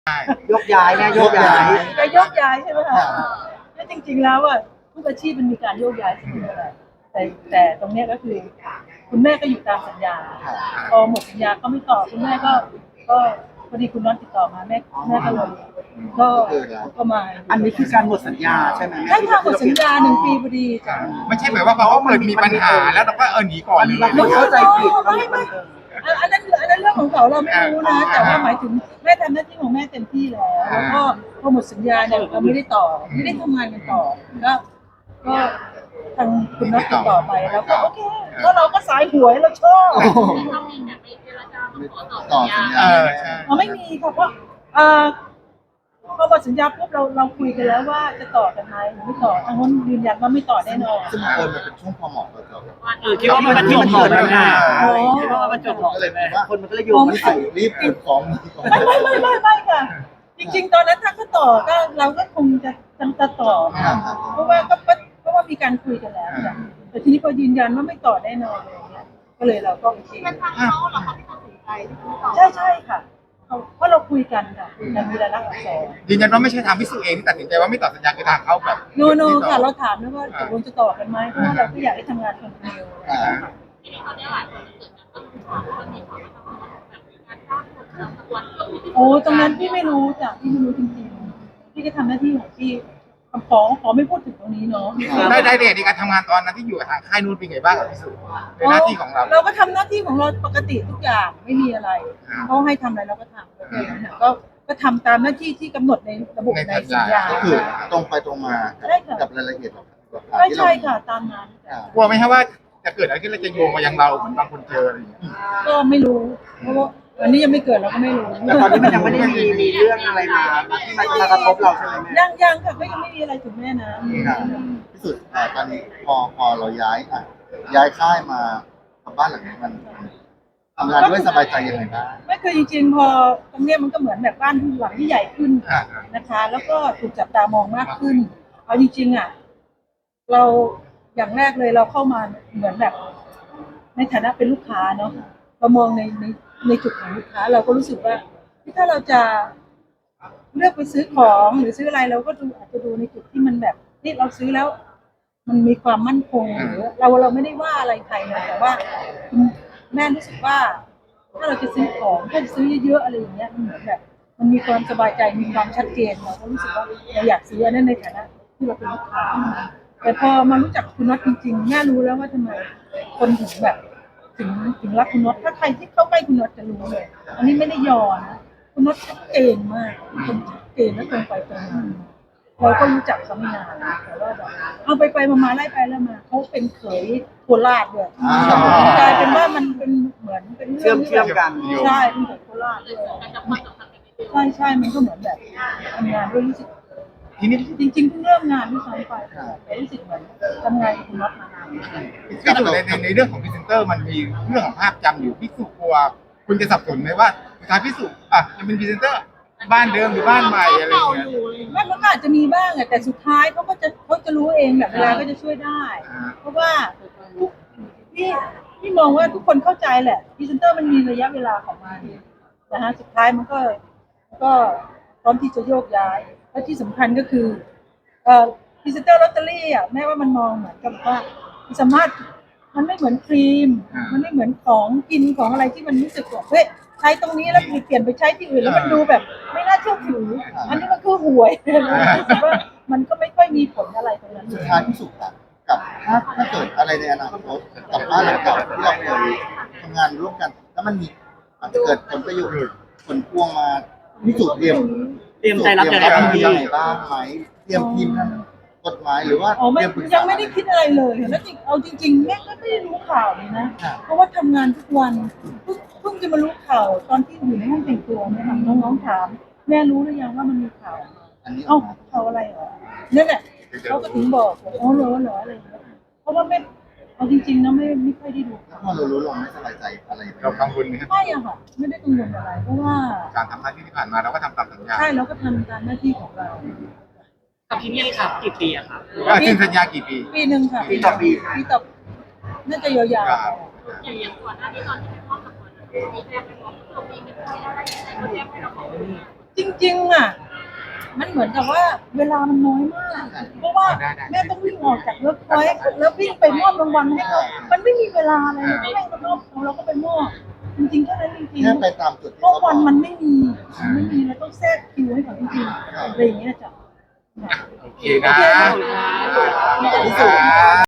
ยกย้ายแม่โยกย้ายจะโยกย้ายใช่ไหมคะแล้วจริงๆแล้วอ่ะทุกอาชีพมันมีการโยกย้ายเสมอแหละแต่ตรงเนี้ยก็คือคุณแม่ก็อยู่ตามสัญญาพอหมดสัญญาก็ไม่ต่อคุณแม่ก็พอดีคุณน็อตติดต่อมาแม่ก็เลยก็มาอันนี้คือการหมดสัญญาใช่ไหมใช่ค่ะหมดสัญญา1 ปีพอดีจ้ะไม่ใช่หมายว่าพอเขาเกิดมีปัญหาแล้วเราก็หนีก่อนเลยเราเข้าใจผิดไม่อันนั้นเรื่องของเขาเราไม่รู้นะแต่ว่าหมายถึงแม่ทำหน้าที่ของแม่เต็มที่แล้วก็พอหมดสัญญาเนี่ยเราไม่ได้ต่อไม่ได้ทำงานกันต่อก็ทางคุณน็อตติดต่อไปแล้วก็โอเคแล้วเราก็สายหวยเราชอบต่อสัญญาใช่ไม่มีค่ะเพราะพอหมดสัญญาปุ๊บเราคุยกันแล้วว่าจะต่อกันไหมหรือไม่ต่อทางคนยืนยันว่าไม่ต่อแน่นอนซึ่งมันเป็นช่วงพอเหมาะกับเราคิดว่ามันจบหมดแล้วนะคิดว่ามันจบหมดก็เลเลย ยแม่ว่าคนมันก็เลยโยงไม่ถึงรีบเก็บของไม่ค่ะ จริงๆตอนนั้นถ้าเขาต่อก็เราก็คงจะต่อนะเพราะว่ามีการคุยกันแล้วจ้ะแต่ทีนี้พอยืนยันว่าไม่ต่อแน่นอนอะไรอย่างเงี้ยก็เลยเราก็โอเคเป็นทางเขาเหรอคะที่ตัดสินใจใช่ค่ะเพราะเราคุยกันค่ะคุยกันมีรายลักษณ์อักษรยืนยันว่าไม่ใช่ทางพิสูจน์เองที่ตัดสินใจว่าไม่ต่อสัญญาคือทางเขาแบบโนค่ะเราถามนะว่าตกลงจะต่อกันไหมเพราะว่าเราก็อยากให้ทำงานคนเดียวโอ้ตรงนั้นพี่ไม่รู้จ้ะพี่ไม่รู้จริงๆพี่ก็ทำหน้าที่ของพี่ขอไม่พูดถึงตรงนี้เนาะได้เรียนในการทำงานตอนนั้นที่อยู่กับทางค่ายนู้นเป็นไงบ้างกับพิสูจน์ในหน้าที่ของเราเราก็ทำหน้าที่ของเราปกติทุกอย่างไม่มีอะไรเขาให้ทำอะไรเราก็ทำก็แค่นั้นนะก็ทำตามหน้าที่ที่กำหนดในระบบในสัญญาก็คือตรงไปตรงมากับรายละเอียดใช่ค่ะตามนั้นกลัวไหมครับว่าจะเกิดอะไรขึ้นแล้วจะโยงมายังเราเหมือนบางคนเจออะไรอย่างเงี้ยก็ไม่รู้เพราะว่าวันนี้ยังไม่เกิดเราก็ไม่รู้แต่ตอนนี้มันยังไม่ได้มีเรื่องอะไรมาที่มันมากระทบเราใช่ไหมแม่ยังค่ะก็ยังไม่มีอะไรถึงแม่นะที่สุดตอนนี้พอเราย้ายค่ายมาทำบ้านหลังนี้มันทำงานด้วยสบายใจยังไงบ้างไม่คือจริงๆพอตรงเนี้ยมันก็เหมือนแบบบ้านหลังที่ใหญ่ขึ้นนะคะ แล้วก็ถูกจับตามองมากขึ้นเอาจริงๆอ่ะเราอย่างแรกเลยเราเข้ามาเหมือนแบบในฐานะเป็นลูกค้าเนาะเรามองในจุดของลูกค้าเราก็รู้สึกว่าถ้าเราจะเลือกไปซื้อของหรือซื้ออะไรเราก็อาจจะดูในจุดที่มันแบบนี่เราซื้อแล้ว มันมีความมั่นคงหรือเราไม่ได้ว่าอะไรใครนะแต่ว่าแม่รู้สึกว่า ถ้าเราจะซื้อของถ้าจะซื้อเยอะๆอะไรอย่างเงี้ยมันเหมือนแบบมันมีความสบายใจมีความชัดเจนเราก็รู้สึกว่าเราอยากซื้อนั่นในฐานะที่เราเป็นลูกค้าแต่พอมารู้จักคุณน็อตจริงๆแม่รู้แล้วว่าทำไมคนถึงแบบถึงรักคุณน็อตถ้าใครที่เข้าใกล้คุณน็อตจะรู้เลยอันนี้ไม่ได้ยอนะคุณน็อตชัดเจนมากคนชัดเจนและตรงไปตรงมาเราก็รู้จักเขาไม่นานแต่ว่าแบบเอาไปมาไล่ไปแล้วมาเขาเป็นเขยโคราชด้วยกลายเป็นว่ามันเป็นเหมือนเป็นเรื่องเชื่อมกันใช่เป็นเขยโคราชด้วยใช่มันก็เหมือนแบบทำงานด้วยรู้สึกทีนี้จริงๆเพิ่งเริ่มงานที่ซ้ำไปแต่รู้สึกเหมือนทำงานกับคุณน็อตมานานกับในเรื่องของพรีเซนเตอร์มันมีเรื่องของภาพจำอยู่พิสูจน์กลัวคุณจะสับสนไหมว่าสุดท้ายพิสูจน์จะเป็นพรีเซนเตอร์บ้านเดิมหรือบ้านใหม่อะไรอย่างเงี้ยมันก็อาจจะมีบ้างอะแต่สุดท้ายเขาจะรู้เองแบบเวลาก็จะช่วยได้ เพราะว่าพี่มองว่าทุกคนเข้าใจแหละพรีเซนเตอร์มันมีระยะเวลาของมันนะฮะสุดท้ายมันก็พร้อมที่จะโยกย้ายและที่สำคัญก็คือพรีเซนเตอร์ลอตเตอรี่อ่ะแม้ว่ามันมองเหมือนกับว่าสามารถมันไม่เหมือนครีมมันไม่เหมือนของกินของอะไรที่มันรู้สึกว่าเฮ้ยใช้ตรงนี้แล้วเปลี่ยนไปใช้ที่อื่นแล้วมันดูแบบไม่น่าเชื่อถืออันนี้มันคือหวยรู้สึกว่ามันก็ไม่ค่อยมีผลอะไรตรงนั้นสุดท้ายที่สุดกับถ้าเกิดอะไรในอนาคตกับบ้านหลังเก่าที่เราเคยทำงานร่วมกันแล้วมันมีอาจจะเกิดผลประโยชน์ผลพวงมาพิสูจน์เตรียมใจรับยังไงบ้างไหมเตรียมทีมทางกฎหมายหรือว่ายังไม่ได้คิดอะไรเลยแล้วเอาจริงๆแม่ก็ไม่ได้รู้ข่าวเลยนะเพราะว่าทำงานทุกวันเพิ่งจะมารู้ข่าวตอนที่อยู่ในห้องแต่งตัวเนี่ยค่ะน้องๆถามแม่รู้หรือยังว่ามันมีข่าวอันนี้ข่าวอะไรเหรอนั่นแหละเขาก็ถึงบอกอ๋อเหรออะไรอย่างเงี้ยเพราะว่าไม่เอาจริงๆนะไม่ค่อยได้ดูพอเรารู้เราไม่สบายใจอะไรเรากังวลไหมครับไม่อะค่ะไม่ได้กังวลอะไรเพราะว่าการทำหน้าที่ที่ผ่านมาเราก็ทำตามสัญญาใช่เราก็ทำตามหน้าที่ของเรากับที่นี่ครับกี่ปีอะครับเซ็นสัญญากี่ปีปีหนึ่งค่ะปีต่อปีน่าจะยาวครับอย่างก่อนหน้านี้ตอนที่เป็นพ่อกับคนมีแจ้งไปบอกเรามีเป็นอะไรก็แจ้งให้เราบอกจริงๆอ่ะมันเหมือนกับว่าเวลามันน้อยมาก เพราะว่าแม่ต้องวิ่งออกจากเวิร์กพอยต์แล้ววิ่งไปมอบรางวัลให้เขามันไม่มีเวลาเลยให้เขาเราก็ไปมอบจริงๆแค่นั้นจริงแค่ไปตามจุดๆที่เพราะเขาบวัอน กมันไม่มีเราต้องแทรกคิวให้เขาจริงๆอะไรอย่างเงี้ยจ้ะโอเคนะโอเคนะพี่สุ